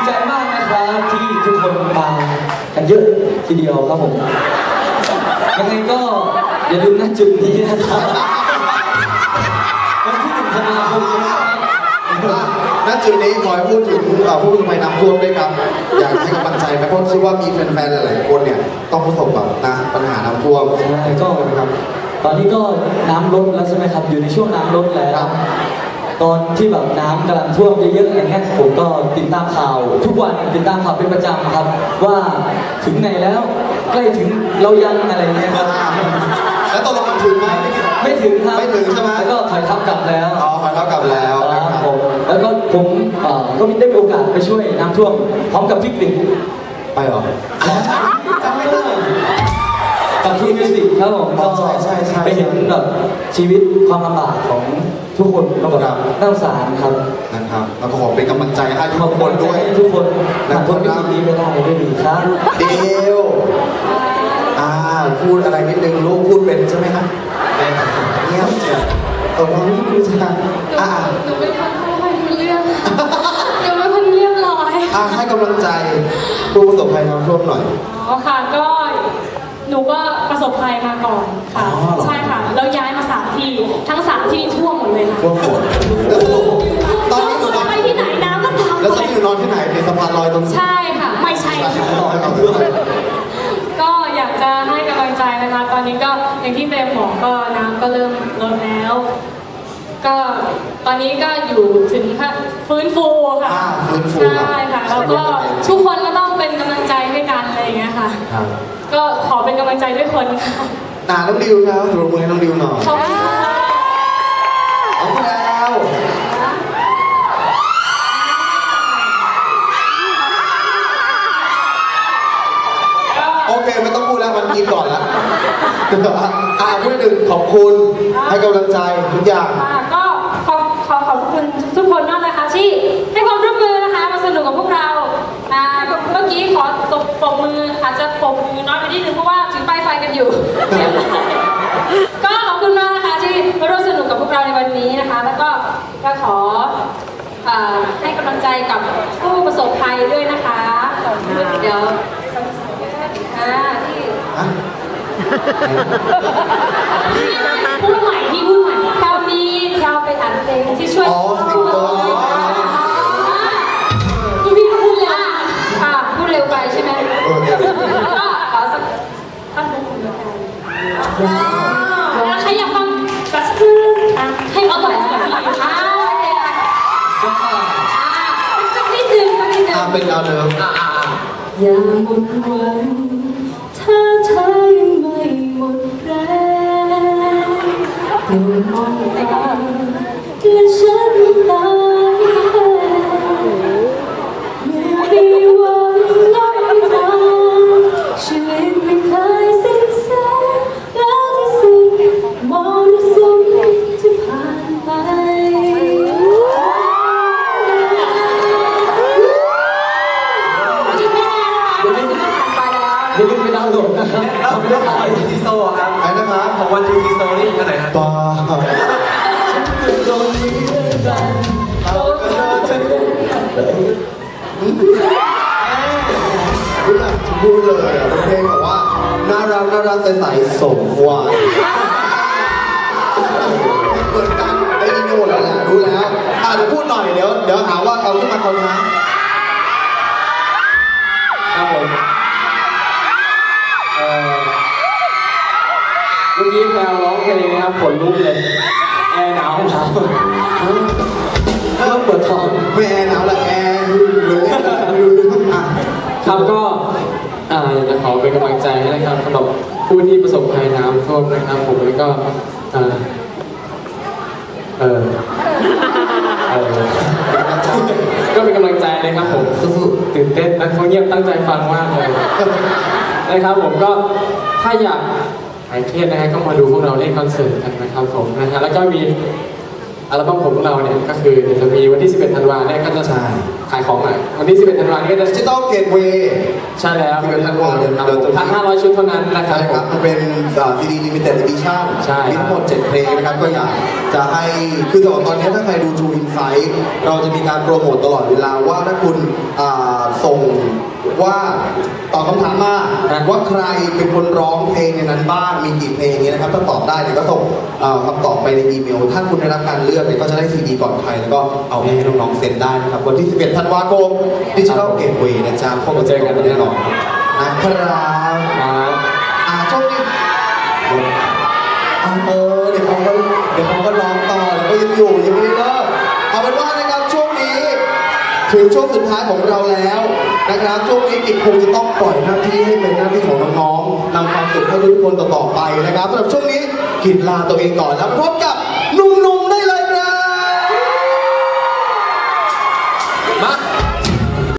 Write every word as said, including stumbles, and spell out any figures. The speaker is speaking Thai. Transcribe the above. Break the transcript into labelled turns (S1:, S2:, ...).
S1: ใจมากนะครับที่ทุกคนมากันเยอะทีเดียวครับผมยังไงก็อย่าลืมณจุดนี้นะครับวันที่หนึ่งธันวาคม
S2: ณจุดนี้ขอให้พูดถึงผู้ประสบภัยน้ำท่วมด้วยครับอยากให้กำลังใจไหมเพราะคิดว่ามีแฟนๆหลายๆคนเนี่ยต้องประสบแบบนะปัญหาน้ำท่วม
S1: ใช่ก็ครับตอนนี้ก็น้ำลดแล้วใช่ไหมครับอยู่ในช่วงน้ำลดแล้วตอนที่แบบน้ำกำลังท่วมเยอะๆอย่างเงี้ยผมก็ติดตามข่าวทุกวันติดตามข่าวเป็นประจำครับว่าถึงไหนแล้วใกล้ถึงเรายังอะไรเงี้ยครับ
S2: แล้วตกลงมันถึงไหม
S1: ไม่ถึงครับ
S2: ไม่ถึงใช่ไหม
S1: แล้วก็ถอยทับกลับแล้ว
S2: อ๋อถอยทับกลับแล้ว
S1: ครับผมแล้วก็ผมก็ได้มีโอกาสไปช่วยน้ำท่วมพร้อมกับพี่กลิ่น
S2: ไปหรอ
S1: จำไม่ได้กับที่มิวสิกครับผมก็ไปเห็นแบบชีวิตความลำบากของทุกคนก็แบบน่าสงสารครับ
S2: นะครับแล้วก็ขอเป็นกำลังใจให้ทุกคนด้วย
S1: ทุกคนผ่านพ้นวิกฤตนี้ไปได้ด้วยดีครับ
S2: เดียวอ่าพูดอะไรนิดนึงลูกพูดเป็นใช่ไหมครับเงียบเจียวตกลงนี่คือใช่อ่า
S3: หนูเป็นคนไม่ค่อยรู้เรื่องหนูเป็นคนเรียบร้อย
S2: อ่าให้กำลังใจผู้ประสบภัยน้ำท่วมหน่อย
S3: อ๋อค่ะก็หนูก็ประสบภัยมาก่อนค่ะใช่ค่ะแล้วย้ายมาสามที่ทั้งสามที่ท่วมหมดเลยค่ะ
S2: ท่วมหมด
S3: ตอนนี้หนูนอนไปที่ไหนน้ำก็ตาม
S2: แล้วตอนนี้หนูนอนที่ไหนในสะพานลอยตรงนี้
S3: ใช่ค่ะไม่ใช่ก็อยากจะให้กำลังใจนะคะตอนนี้ก็อย่างที่เบมบอกก็น้ำก็เริ่มลดแล้วก็ตอนนี้ก็อยู่ถึงฟื้นฟูค่ะใช่ค่ะแล้วก็ทุกคนก็ต้องเป็นกำลังใจให้กันอะไรอย่างเงี้ยค่ะก็ขอเป็นกำลังใจด้วยคนค่ะ
S2: น้องดิวครับรบมือให้น้องดิวหน่อย
S3: ขอบคุณค่ะ
S2: ขอบคุณแล้วโอเคไม่ต้องพูดแล้วมันกินก่อนแล้วอ่าพูดถึงขอบคุณให้กำลังใจทุกอย่าง
S3: ก็ขอขอขอบคุณทุกคนมากนะคะที่ให้ความร่วมมือนะคะมาสนุกกับพวกเราเมื่อกี้ขอตบปรบมืออาจจะปรบมือน้อยไปนิดนึงเพราะว่าถือป้ายไฟกันอยู่ก็ขอบคุณมากนะคะที่มาร่วมสนุกกับพวกเราในวันนี้นะคะแล้วก็ก็ขอให้กำลังใจกับผู้ประสบภัยด้วยนะคะเดี๋ยวที่พูดใหม่ที่พูดใหม่คราวนี้เราไปอ่านเพลงที่ช่วยพูดที่พี่พูดเร็วค่ะพูดเร็วไปใช่ไหมก็ขอสักท่านหนึ่งแล้วใครอยากฟังสักคืนให้เอาต่อจากพี่อ่าสักนิดนึงสักนิดนึง
S2: เป็นดาวเดิม
S3: อย่าหมดหวังถ้าเธอยังไม่หมดแรงโปรดมองตาและฉันตายเมื่อมีหวังน้อยทางชีวิตไม่เคยสิ้นแสงแล้วที่สุดมรสุมที่ผ่านไป
S1: อย่าลืมไปดาวน์โหลดนะครับ
S4: เอาไปเรื่องของวันทีโซ่ครับ
S2: ไอ้นะครับ
S4: ของวันทีโซ่นี่คือไหนครับ
S2: บ้า
S1: ตรงนี้กันเขาก็จะ
S2: พูดแบบพูดเลยอ่ะเป็นเพลงแบบว่าน่ารักน่ารักใสๆสมวัยเปิดกันได้ยินกันหมดแล้วแหละรู้แล้วอ่ะเดี๋ยวพูดหน่อยเดี๋ยวเดี๋ยวหาว่าเอาขึ้นมาคนนะครับ
S1: ผมเมื่อกี้แพลวร้องเพลงนะครับขนลุกเลยแอร์หนาวหนาวเริ่มปวดท้อง
S2: ไม่แอร์หนาวละแอร์เลย
S4: ครับก็อยากจะขอเป็นกำลังใจให้นะครับสำหรับผู้ที่ประสบภัยน้ำท่วมนะครับผมแล้วก็เออเออก็เป็นกำลังใจนะครับผมตื่นเต้นนะเขาเงียบตั้งใจฟังมากเลยนะครับผมก็ถ้าอยากหายเครียดนะฮะก็มาดูพวกเราเล่นคอนเสิร์ตกันนะครับผมนะฮะแล้วก็มีอัลบั้มของพวกเราเนี่ยก็คือจะมีวันที่สิบเอ็ดธันวาคมเนี่ยก็จะขายของใหม่วันที่สิบเอ็ดธันวาคมนี้ก็จะ
S2: ดิจิตอลเกตเวย์
S4: ใช่แล้ว
S2: สิบเอ็ดธันวาคม
S4: เดี๋ยวพันห้าร้อยชุดเท่านั้นนะครับ
S2: มันเป็นซีดีลิมิเต็ดเอดิชั่นมีทั้งหมดเจ็ดเพลงนะครับก็อยากจะให้คือตอนนี้ถ้าใครดู True Insight เราจะมีการโปรโมทตลอดเวลาว่าถ้าคุณว่าตอบคำถามมาว่าใครเป็นคนร้องเพลงในนั้นบ้างมีกี่เพลงนี้นะครับถ้าตอบได้เนี่ยก็ส่งเอ่อคำตอบไปในอีเมลถ้าคุณได้รับการเลือกเนี่ยก็จะได้ซีดีก่อนใครแล้วก็เอาไปให้น้องๆเซ็นได้นะครับวันที่สิบเอ็ดธันวาคมดิจิทัลเกตเวย์นะจ๊ะพบกันเจอกันแน่นอนนะครับครับอ่าช่วงนี้เออเดี๋ยวเขาก็เดี๋ยวเขาก็ร้องต่อแล้วก็ยังอยู่ยังไม่ได้เลิกเอาเป็นว่านะครับช่วงนี้ถึงช่วงสุดท้ายของเราแล้วนะครับช่วงนี้กิจคงจะต้องปล่อยหน้าที่ให้เป็นหน้าที่ของน้องๆนำความสุขให้ทุกคนต่อๆไปนะครับสำหรับช่วงนี้กิจลาตัวเองก่อนแล้วพบกับ